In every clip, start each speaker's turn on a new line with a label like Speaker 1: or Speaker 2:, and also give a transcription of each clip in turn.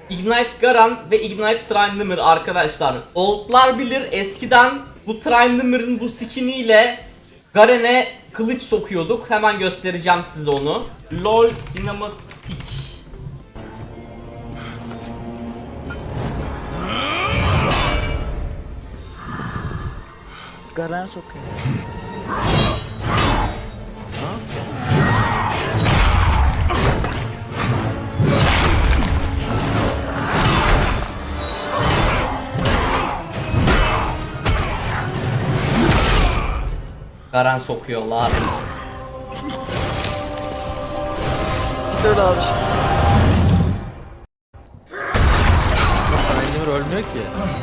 Speaker 1: Ignite Garen ve Ignite Tryndamere arkadaşlar. Oldlar bilir, eskiden bu Tryndamere'ın bu skiniyle Garen'e kılıç sokuyorduk. Hemen göstereceğim size onu. LoL Cinematic.
Speaker 2: Garen sokuyor.
Speaker 1: Garen sokuyorlar.
Speaker 2: İşte öyle abi.
Speaker 3: Tryndamere ölmüyor ki.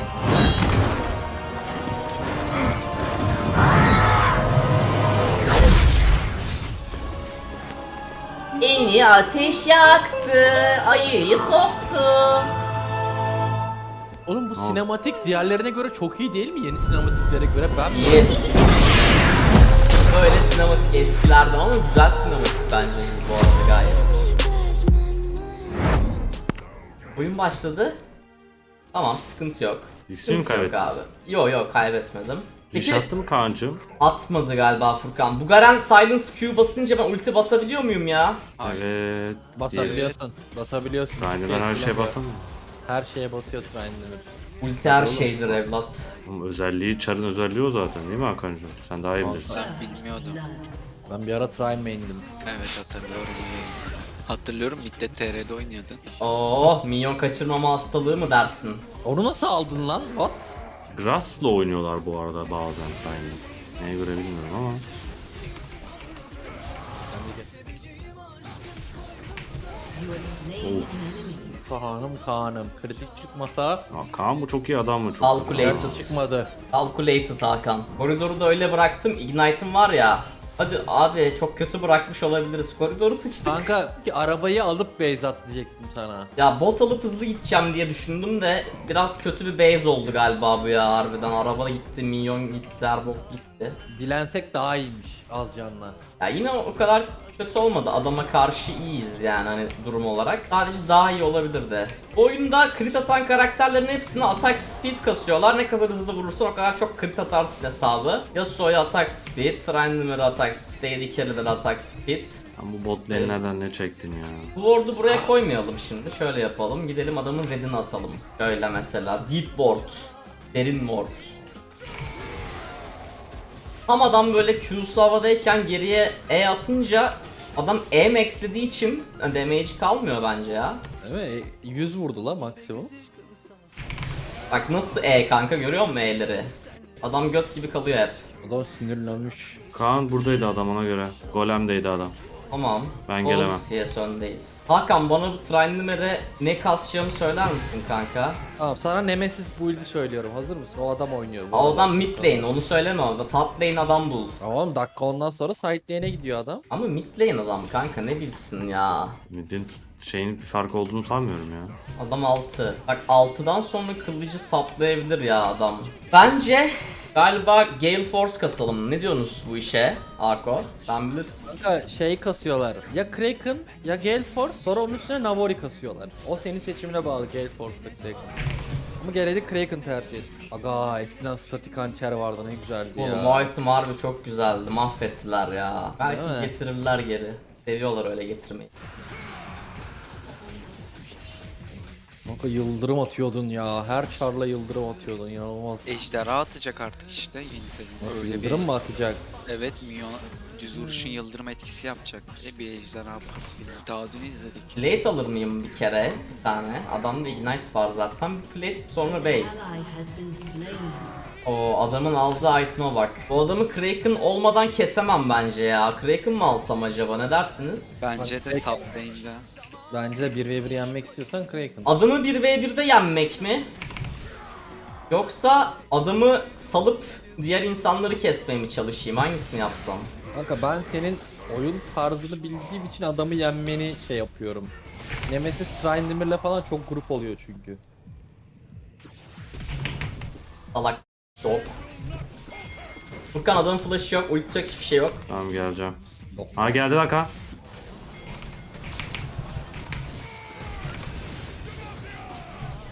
Speaker 1: Beni ateş yaktı, ayıyı soktu.
Speaker 3: Oğlum bu sinematik diğerlerine göre çok iyi değil mi? Yeni sinematiklere göre ben
Speaker 1: İyi. Böyle sinematik eskilerden ama güzel sinematik bence bu arada gayet. Oyun başladı. Tamam, sıkıntı yok.
Speaker 4: İsmi mi
Speaker 1: Sıkıntı yok
Speaker 4: kaybettin?
Speaker 1: abi. Yo kaybetmedim.
Speaker 4: Diş
Speaker 1: Peki
Speaker 4: attı mı Kaan'cığım?
Speaker 1: atmadı galiba Furkan. Bu Garen Silence Q basınca ben ulti basabiliyor muyum ya?
Speaker 4: Evet.
Speaker 3: basabiliyorsun. Basabiliyorsun.
Speaker 4: Yani ben her şeye basamıyorum.
Speaker 3: Her şeye basıyor Tryndamere.
Speaker 1: Ulti her şeydir evlat.
Speaker 4: Oğlum özelliği, çarın özelliği o zaten değil mi Hakan'cığım? Sen daha iyi bilirsin.
Speaker 5: Ben bilmiyordum.
Speaker 3: Ben bir ara Trine main'dim.
Speaker 5: Evet hatırlıyorum. Hatırlıyorum midde TR'de oynuyordun.
Speaker 1: Oh, minyon kaçırmama hastalığı mı dersin?
Speaker 3: Onu nasıl aldın lan? What?
Speaker 4: Grass'la oynuyorlar bu arada bazen. Ben neye göre bilmiyorum ama. Of.
Speaker 3: Kaan'ım. Kritik çıkmasa
Speaker 4: Ya Kaan bu çok iyi adam mı? Çok
Speaker 1: Calculated.
Speaker 3: çıkmadı.
Speaker 1: Calculated Hakan. Koridoru da öyle bıraktım. Ignite'ım var ya. Hadi abi, çok kötü bırakmış olabiliriz. Koridoru sıçtık.
Speaker 3: Kanka ki arabayı alıp base at diyecektim sana.
Speaker 1: Ya bot alıp hızlı gideceğim diye düşündüm de biraz kötü bir base oldu galiba bu ya harbiden. Araba gitti, minyon gitti, her bok gitti.
Speaker 3: Dilensek daha iyiymiş az canla.
Speaker 1: Ya yine o kadar kötü olmadı. Adama karşı iyiyiz yani hani durum olarak. Sadece daha iyi olabilirdi. Bu oyunda crit atan karakterlerin hepsini attack speed kasıyorlar. Ne kadar hızlı vurursan o kadar çok crit atarsın hesabı. Yasuo'ya attack speed, Tryndamere'a attack speed, AD Carry'lere attack speed.
Speaker 4: Sen bu bot lane'lerden ne çektin ya?
Speaker 1: Bu ward'u buraya koymayalım şimdi. Şöyle yapalım. Gidelim adamın red'ini atalım. Şöyle mesela deep ward, derin ward. Tam adam böyle Q'su havadayken geriye E atınca adam E maxlediği için damage kalmıyor bence ya.
Speaker 3: Değil mi? 100 vurdu la maksimum.
Speaker 1: Bak nasıl E kanka, görüyor musun E'leri? Adam göt gibi kalıyor hep.
Speaker 3: Adam sinirlenmiş.
Speaker 4: Kaan buradaydı adam ona göre. Golem'deydi adam.
Speaker 1: Tamam.
Speaker 4: Ben gelemem.
Speaker 1: CS öndeyiz. Hakan, bana bu Tryndamere'e ne kasacağımı söyler misin kanka?
Speaker 3: Tamam sana Nemesis build'i söylüyorum. Hazır mısın? O adam oynuyor. bu
Speaker 1: O
Speaker 3: arada.
Speaker 1: adam mid lane, onu söyleme orada. Top lane adam bul.
Speaker 3: Tamam dakika ondan sonra side lane'e gidiyor adam.
Speaker 1: Ama mid lane adam kanka, ne bilsin ya.
Speaker 4: Mid'in şeyin bir fark olduğunu sanmıyorum ya.
Speaker 1: Adam 6. Bak 6'dan sonra kılıcı saplayabilir ya adam. Bence galiba Gale Force kasalım. Ne diyorsunuz bu işe Arko? Sen bilirsin.
Speaker 3: Kanka şey kasıyorlar. Ya Kraken ya Gale Force sonra onun üstüne Navori kasıyorlar. O senin seçimine bağlı Gale Force'da Kraken. Ama genelde Kraken tercih et. Aga eskiden statik hançer vardı ne güzeldi ya.
Speaker 1: Oğlum o item harbi çok güzeldi. Mahvettiler ya.
Speaker 3: Değil
Speaker 1: Belki
Speaker 3: mi?
Speaker 1: getirirler geri. Seviyorlar öyle getirmeyi.
Speaker 3: Kanka yıldırım atıyordun ya. Her çarla yıldırım atıyordun inanılmaz.
Speaker 5: Ejderha atacak artık işte yeni sezonda. Öyle
Speaker 3: Yıldırım
Speaker 5: bir
Speaker 3: mı atacak?
Speaker 5: Evet milyon düz vuruşun yıldırım etkisi yapacak. Bir ejderha pasifiyle. Daha dün izledik.
Speaker 1: Plate alır mıyım bir kere? Bir tane. Adamda Ignite var zaten. Bir plate sonra base. O adamın aldığı item'a bak. Bu adamı Kraken olmadan kesemem bence ya. Kraken mı alsam acaba, ne dersiniz?
Speaker 5: Bence de top lane'de.
Speaker 3: Bence de 1v1 yenmek istiyorsan Kraken.
Speaker 1: Adamı 1v1'de yenmek mi? Yoksa adamı salıp diğer insanları kesmeye mi çalışayım? Hangisini yapsam?
Speaker 3: Kanka ben senin oyun tarzını bildiğim için adamı yenmeni şey yapıyorum. Nemesis Tryndamere'le falan çok grup oluyor çünkü.
Speaker 1: Salak yok. Furkan adamın flash'ı yok, ultisi yok, hiçbir şey yok.
Speaker 4: Tamam geleceğim. Ha geldi lan Kaan.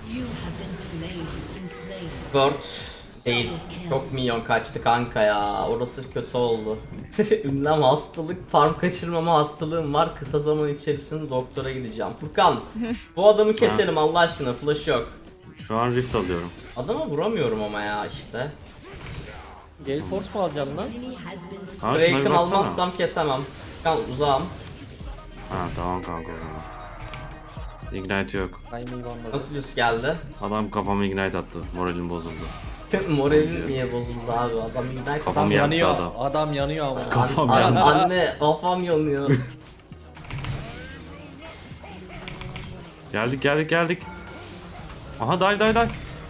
Speaker 1: Word değil. Çok minyon kaçtı kanka ya. Orası kötü oldu. Ünlem hastalık, farm kaçırmama hastalığım var. Kısa zaman içerisinde doktora gideceğim. Furkan, bu adamı keselim Allah aşkına. Flash yok.
Speaker 4: Şu an rift alıyorum.
Speaker 1: Adama vuramıyorum ama ya işte.
Speaker 3: Gale Force mu alacaksın lan?
Speaker 4: Ha, şuna bir
Speaker 1: Kraken
Speaker 4: baksana.
Speaker 1: almazsam kesemem. Furkan uzağım.
Speaker 4: Ha tamam kanka o zaman. Ignite yok.
Speaker 3: Timing anladım.
Speaker 1: Nasıl düz geldi?
Speaker 4: Adam kafama ignite attı. Moralim bozuldu.
Speaker 1: Moralin niye bozuldu abi? Adam gider
Speaker 4: Kafam yaktı
Speaker 3: Yanıyor.
Speaker 4: adam.
Speaker 3: Adam yanıyor ama.
Speaker 4: Kafam yandı.
Speaker 1: Anne kafam yanıyor.
Speaker 4: Geldik. Aha dive.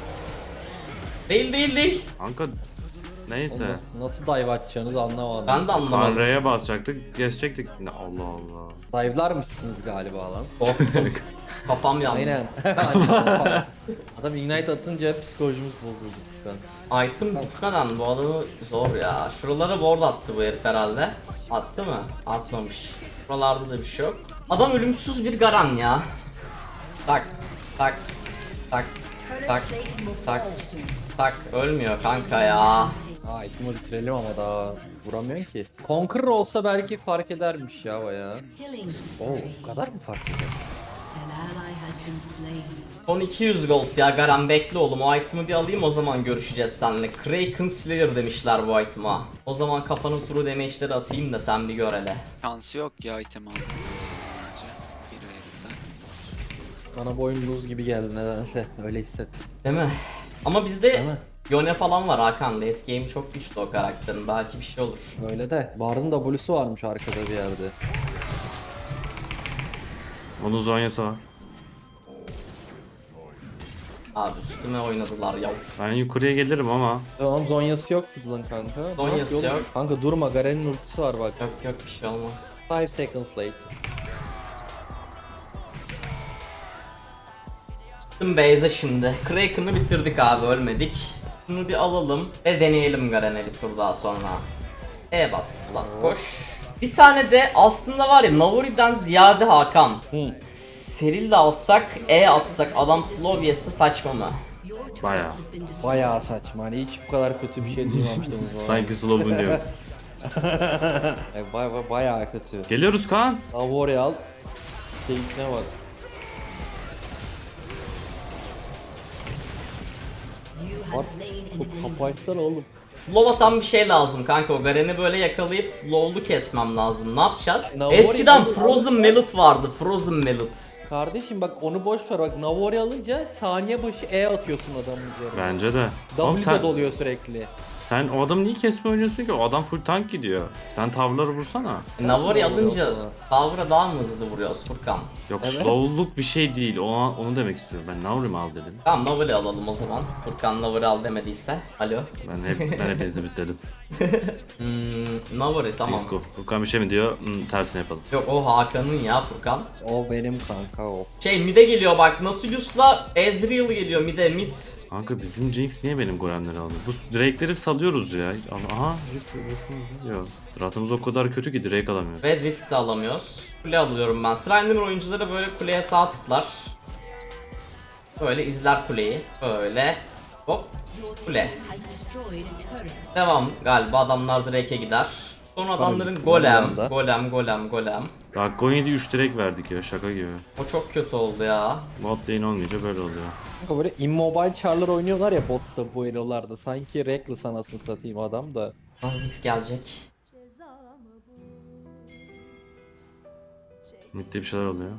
Speaker 1: Değil.
Speaker 4: Kanka neyse.
Speaker 3: Nasıl dive atacaksınız anlamadım.
Speaker 1: Ben de anlamadım.
Speaker 4: R'ye basacaktık, geçecektik. Allah Allah.
Speaker 3: Dive'larmışsınız galiba lan.
Speaker 1: Korktum. Kafam yandı.
Speaker 3: Aynen. Adam ignite atınca psikolojimiz bozuldu. Ben.
Speaker 1: Item bitmeden bu adamı zor ya. Şuralara ward attı bu herif herhalde. Attı mı? Atmamış. Buralarda da bir şey yok. Adam ölümsüz bir garan ya. Tak. Ölmüyor kanka ya.
Speaker 3: Item'ı bitirelim ama daha vuramıyorsun ki. Conqueror olsa belki fark edermiş ya bayağı. Oo, o kadar mı fark eder?
Speaker 1: Son 200 gold ya Garan bekle oğlum, o item'ı bir alayım o zaman görüşeceğiz seninle. Kraken Slayer demişler bu item'a. O zaman kafanı turu damage'leri atayım da sen bir gör hele.
Speaker 5: Şansı yok ya item aldım. Önce bir verimden.
Speaker 3: Bana bu oyun lose gibi geldi nedense. Öyle hissettim.
Speaker 1: Değil mi? Ama bizde
Speaker 3: Değil mi?
Speaker 1: Yone falan var Hakan. Late game çok güçlü o karakterin. Belki bir şey olur.
Speaker 3: Öyle de. Bard'ın W'su varmış arkada bir yerde.
Speaker 4: Onun zonyası var.
Speaker 1: Abi üstüme oynadılar ya.
Speaker 4: Ben yukarıya gelirim ama.
Speaker 3: Tamam Zonya'sı yok Fiddle'ın kanka.
Speaker 1: Zonya'sı
Speaker 3: Bak,
Speaker 1: yok.
Speaker 3: Kanka durma Garen'in ultisi var bak.
Speaker 1: Yok bir şey olmaz.
Speaker 3: 5 seconds late.
Speaker 1: Gittim base'e şimdi. Kraken'ı bitirdik abi, ölmedik. Şunu bir alalım ve deneyelim Garen'e bir tur daha sonra. Bas lan koş. Bir tane de aslında var ya Navori'den ziyade Hakan. Seril de alsak, atsak adam slow yese saçma mı?
Speaker 4: Baya.
Speaker 3: Bayağı saçma. Hani hiç bu kadar kötü bir şey duymamıştım.
Speaker 4: Sanki slow'un diyor.
Speaker 3: Bayağı kötü.
Speaker 4: Geliyoruz Kaan.
Speaker 3: Navori al. Keyfine bak. Bak, bu kapayışlar oğlum.
Speaker 1: Slow atan bir şey lazım kanka, o Garen'i böyle yakalayıp slow'lu kesmem lazım. Ne yapacağız?
Speaker 3: Navori
Speaker 1: Eskiden
Speaker 3: aldı-
Speaker 1: Frozen Mallet vardı, Frozen Mallet.
Speaker 3: Kardeşim bak onu boş ver bak Navori alınca saniye başı atıyorsun adamın üzerine.
Speaker 4: Bence de. Oğlum
Speaker 3: W'de doluyor sürekli.
Speaker 4: sen o adamı niye kesme oynuyorsun ki? O adam full tank gidiyor. Sen tavları vursana.
Speaker 1: Navori
Speaker 3: Navori
Speaker 1: alınca
Speaker 3: alsana.
Speaker 1: Tower'a daha mı hızlı vuruyoruz Furkan?
Speaker 4: Yok
Speaker 3: Evet.
Speaker 4: slowluk bir şey değil. Onu demek istiyorum. Ben Navri mi al dedim.
Speaker 1: Tamam Navori alalım o zaman. Furkan Navori al demediyse. Alo.
Speaker 4: Ben hepinizi bitledim.
Speaker 1: Navori tamam.
Speaker 4: Disco. Furkan bir şey mi diyor? Tersini yapalım.
Speaker 1: Yok o Hakan'ın ya Furkan.
Speaker 3: O benim kanka o.
Speaker 1: Mid'e geliyor bak, Nautilus'la Ezreal geliyor mid.
Speaker 4: Kanka bizim Jinx niye benim golemleri alıyor? Bu Drake'leri salıyoruz ya. Aha. Diyor. Ratımız o kadar kötü ki Drake alamıyor.
Speaker 1: Ve Rift de alamıyoruz. Kule alıyorum ben. Trainer oyuncuları böyle kuleye sağ tıklar. Böyle izler kuleyi. Böyle. Hop. Kule. Devam galiba, adamlar Drake'e gider. Sonra adamların
Speaker 3: gitti,
Speaker 1: golem,
Speaker 3: bir anda.
Speaker 1: golem.
Speaker 4: Dakika 17 3 Drake verdik ya, şaka gibi.
Speaker 1: O çok kötü oldu ya.
Speaker 4: Bot lane olmayınca böyle oluyor.
Speaker 3: Kanka böyle immobile char'lar oynuyorlar ya botta bu elolarda. Sanki Reckless anasını satayım adam da.
Speaker 1: Azix gelecek.
Speaker 4: Mid'de bir şeyler oluyor.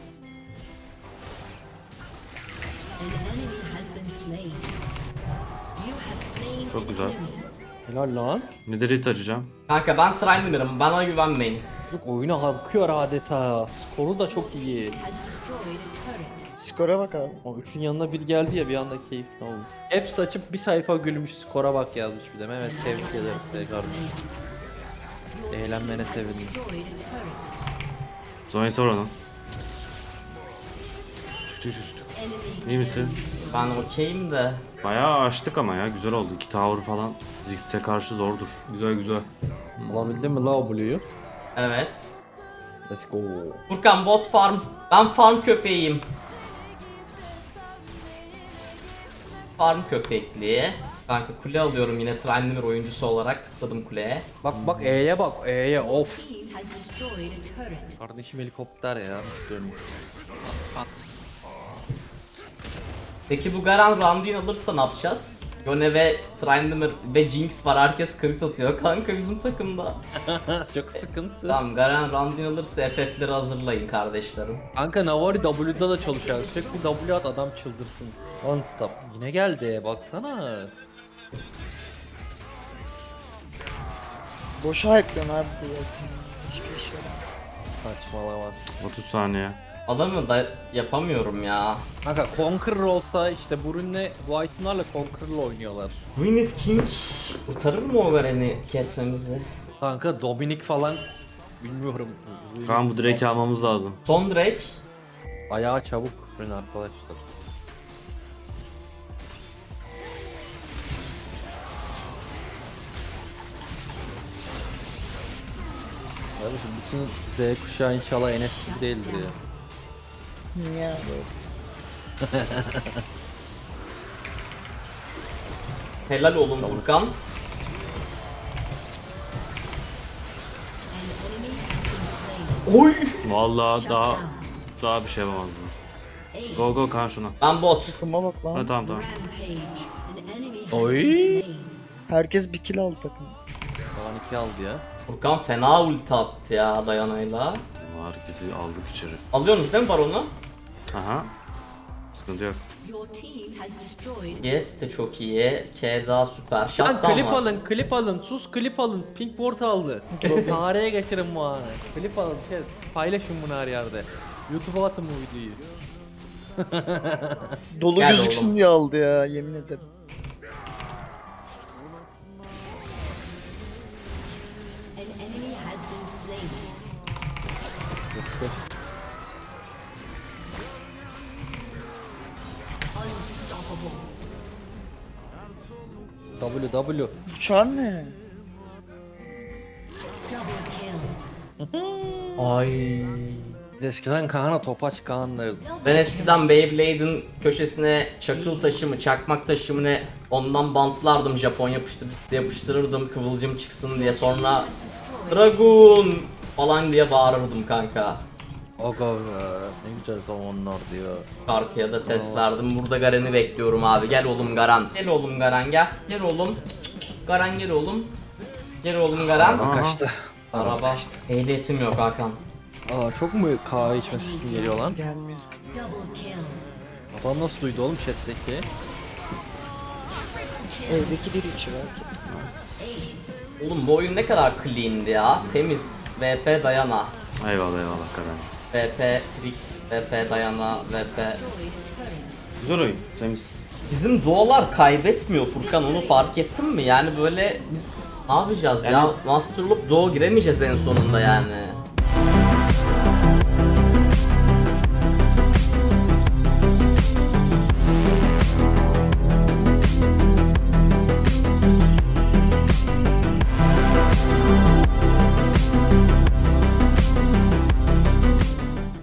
Speaker 4: Çok güzel.
Speaker 3: Helal lan.
Speaker 4: Mid'e rift açacağım.
Speaker 1: Kanka ben Trainer'ım, bana güvenmeyin.
Speaker 3: Yok oyuna halkıyor adeta. Skoru da çok iyi.
Speaker 2: Skora bak abi.
Speaker 3: O üçün yanına bir geldi ya bir anda keyifli oldu. Hepsi açıp bir sayfa gülmüş skora bak yazmış bir de. Mehmet tebrik ederiz be kardeşim. Eğlenmene sevindim.
Speaker 4: Zonya'sı var onun. Çık. İyi misin?
Speaker 1: Ben okeyim de.
Speaker 4: Bayağı açtık ama ya, güzel oldu. 2 tower falan Ziggs'e karşı zordur. Güzel.
Speaker 3: Alabildin mi la Blue'yu?
Speaker 1: Evet.
Speaker 3: Let's go.
Speaker 1: Furkan bot farm. Ben farm köpeğiyim. Farm köpekliği. Kanka kule alıyorum yine Trindamere oyuncusu olarak tıkladım kuleye.
Speaker 3: Bak E'ye bak E'ye of.
Speaker 6: Team has destroyed a turret.
Speaker 3: Kardeşim helikopter ya. Dönüyor.
Speaker 5: At.
Speaker 1: Peki bu Garen Randuin alırsa ne yapacağız? Yone ve Trindamere ve Jinx var, herkes crit atıyor kanka bizim takımda.
Speaker 3: Çok sıkıntı.
Speaker 1: Tamam Garen Randuin alırsa FF'leri hazırlayın kardeşlerim.
Speaker 3: Kanka Navari W'da da çalışıyor. Sürekli W at adam çıldırsın. One stop. Yine geldi baksana.
Speaker 2: Boşa hype'lıyorsun abi bu ultimi. Hiçbir şey yok.
Speaker 3: Saçmalama.
Speaker 4: 30 saniye.
Speaker 1: Adamı da yapamıyorum ya.
Speaker 3: Kanka Conqueror olsa işte Brun'le bu itemlarla Conqueror'la oynuyorlar.
Speaker 1: Gwyneth King kurtarır mı o Garen'i kesmemizi?
Speaker 3: Kanka Dominic falan bilmiyorum.
Speaker 4: Kaan bu Drake'i almamız lazım.
Speaker 1: Son Drake.
Speaker 3: Ayağı çabuk Brun arkadaşlar. Kardeşim bütün Z kuşağı inşallah Enes gibi değildir ya.
Speaker 2: Niye böyle?
Speaker 1: Helal olun Furkan.
Speaker 6: An enemy has been slain.
Speaker 1: Oy!
Speaker 4: Vallahi daha bir şey yapamazdım.
Speaker 6: Ace.
Speaker 4: Go go Kaan şuna.
Speaker 1: Ben bot.
Speaker 2: Takıma bak lan.
Speaker 4: Ha, tamam tamam.
Speaker 6: Rampage. An enemy has
Speaker 3: Oy.
Speaker 6: been slain.
Speaker 2: Herkes bir kill aldı takım.
Speaker 3: Falan 2 aldı ya.
Speaker 1: Furkan fena ulti attı ya Dayana'yla.
Speaker 4: Herkesi aldık içeri.
Speaker 1: Alıyorsunuz değil mi Baron'u?
Speaker 4: Aha. Sıkıntı yok.
Speaker 6: Your team has destroyed.
Speaker 1: Yes de çok iyi. K daha süper.
Speaker 3: Lan
Speaker 1: Shutdown
Speaker 3: klip
Speaker 1: var.
Speaker 3: alın, klip alın, sus klip alın. Pink Ward aldı. Tarihe geçirin bu anı. Klip alın, paylaşın bunu her yerde. YouTube'a atın bu videoyu.
Speaker 2: Dolu
Speaker 1: Gel
Speaker 2: gözüksün
Speaker 1: oğlum.
Speaker 2: diye aldı ya yemin ederim.
Speaker 6: An enemy has been slain. Unstoppable.
Speaker 3: W.
Speaker 2: Bu çar ne?
Speaker 6: Double kill.
Speaker 1: Ay.
Speaker 3: Eskiden Kaan'a topaç Kaan'lardı.
Speaker 1: Ben eskiden Beyblade'in köşesine çakıl taşı mı, çakmak taşı mı ne ondan bantlardım, Japon yapıştırırdım kıvılcım çıksın diye, sonra Dragoon falan diye bağırırdım kanka.
Speaker 3: Aga be, ne güzel zamanlar diyor.
Speaker 1: Şarkıya da ses verdim. Burada Garen'i bekliyorum abi. Gel oğlum Garen. Gel oğlum Garen gel. Gel oğlum. Garen gel oğlum. Gel oğlum Garen.
Speaker 3: Araba kaçtı.
Speaker 1: Araba. Ehliyetim yok Hakan.
Speaker 3: Aa çok mu kahve içme sesi geliyor lan?
Speaker 2: Gelmiyor.
Speaker 6: Double kill.
Speaker 3: Babam nasıl duydu oğlum chat'teki?
Speaker 2: Evdeki bir içi belki.
Speaker 6: Ace.
Speaker 1: Oğlum bu oyun ne kadar clean'di ya. Temiz. VP Dayana.
Speaker 4: Eyvallah eyvallah Kaan.
Speaker 1: VP Trix. VP Dayana. VP.
Speaker 6: Destroyed a turret.
Speaker 4: Güzel oyun. Temiz.
Speaker 1: Bizim duolar kaybetmiyor Furkan, onu fark ettin mi? Yani böyle biz ne yapacağız ya? Master Loop duo giremeyeceğiz en sonunda yani.